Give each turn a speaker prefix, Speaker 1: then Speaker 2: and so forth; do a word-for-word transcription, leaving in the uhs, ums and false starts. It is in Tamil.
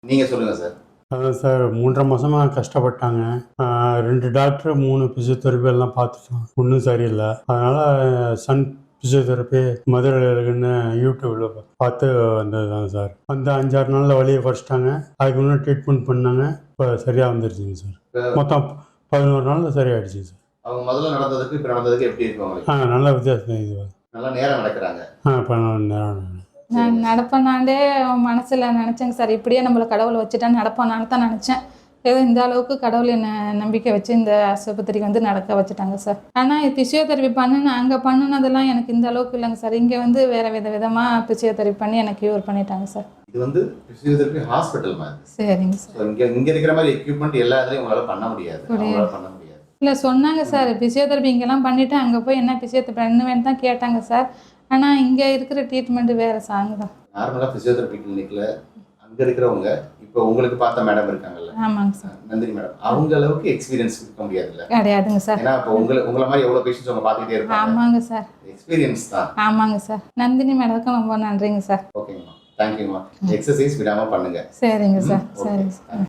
Speaker 1: நீங்க சொல்லுங்க சார்.
Speaker 2: அதான் சார் மூன்றரை மாதமாக கஷ்டப்பட்டாங்க. ரெண்டு டாக்டர் மூணு ஃபிசியோதெரப்பி எல்லாம் பார்த்துட்டோம். ஒன்றும் சரியில்லை. அதனால் சன் ஃபிசியோதெரப்பி மதுரையில் இருக்குன்னு யூடியூப்பில் பார்த்து வந்தது தான் சார். அந்த அஞ்சாறு நாளில் வழியை குறைச்சிட்டாங்க. அதுக்கு முன்னாடி ட்ரீட்மெண்ட் பண்ணாங்க. இப்போ சரியாக வந்துருச்சுங்க சார். மொத்தம் பதினோரு நாளில் சரியாயிடுச்சுங்க சார்.
Speaker 1: அவங்க முதல்ல நடந்ததுக்கு இப்போ நடந்ததுக்கு எப்படி இருக்கு உங்களுக்கு?
Speaker 2: ஆ நல்ல வித்தியாசம் இது.
Speaker 1: நல்லா நேரம் நடக்கிறாங்க.
Speaker 2: ஆ இப்போ நேரம்
Speaker 3: நான் நடப்பேனாண்டே மனசில் நினச்சேங்க சார். இப்படியே நம்மளை கடவுளை வச்சுட்டான்னு நடப்பானான்னு தான் நினச்சேன். ஏதோ இந்த அளவுக்கு கடவுள் என்னை நம்பிக்கை வச்சு இந்த ஆஸ்பத்திரிக்கு வந்து நடக்க வச்சுட்டாங்க சார். ஆனால் ஃபிசியோதெரப்பி பண்ணுன அங்கே பண்ணினதெல்லாம் எனக்கு இந்த அளவுக்கு இல்லைங்க சார். இங்கே வந்து வேறு வித விதமாக ஃபிசியோதெரப்பி பண்ணி எனக்கு க்யூர் பண்ணிட்டாங்க சார்.
Speaker 1: இது வந்து ஃபிசியோதெரப்பி ஹாஸ்பிட்டல் மாதிரி.
Speaker 3: சரிங்க சார்.
Speaker 1: இங்கே இங்கே இருக்கிற மாதிரி எக்யூப்மெண்ட் எல்லா இதுலையும் உங்களால் பண்ண முடியாது. உங்களால் பண்ண முடியாது.
Speaker 3: இல்லை சொன்னாங்க சார், ஃபிசியோதெரப்பி இங்கெல்லாம் பண்ணிவிட்டு அங்கே போய் என்ன ஃபிசியோதெரப்பி பண்ணுவேன்னு தான் கேட்டாங்க சார். ஆனால் இங்கே இருக்கிற ட்ரீட்மெண்ட்டு வேறு சாங் தான்.
Speaker 1: நார்மலாக ஃபிசியோதெரப்பி கிளினிக்கில் அங்கே இருக்கிறவங்க இப்போ உங்களுக்கு பார்த்த மேடம் இருக்காங்கல்ல,
Speaker 3: ஆமாங்க சார்,
Speaker 1: நந்தினி மேடம், அவங்க அளவுக்கு எக்ஸ்பீரியன்ஸ் இருக்க முடியாதுல்ல?
Speaker 3: கிடையாதுங்க சார்.
Speaker 1: ஏன்னா இப்போ உங்களை உங்களை மாதிரி எவ்வளோ பேஷண்ட்ஸ் அவங்க பார்த்துக்கிட்டே இருப்பாங்க.
Speaker 3: ஆமாங்க சார்,
Speaker 1: எக்ஸ்பீரியன்ஸ் தான்.
Speaker 3: ஆமாங்க சார். நந்தினி மேடத்துக்கும் ரொம்ப நன்றிங்க சார்.
Speaker 1: ஓகேங்கம்மா, தேங்க்யூம்மா. எக்ஸசைஸ் விடாமல் பண்ணுங்க.
Speaker 3: சரிங்க சார், சரிங்க சார்.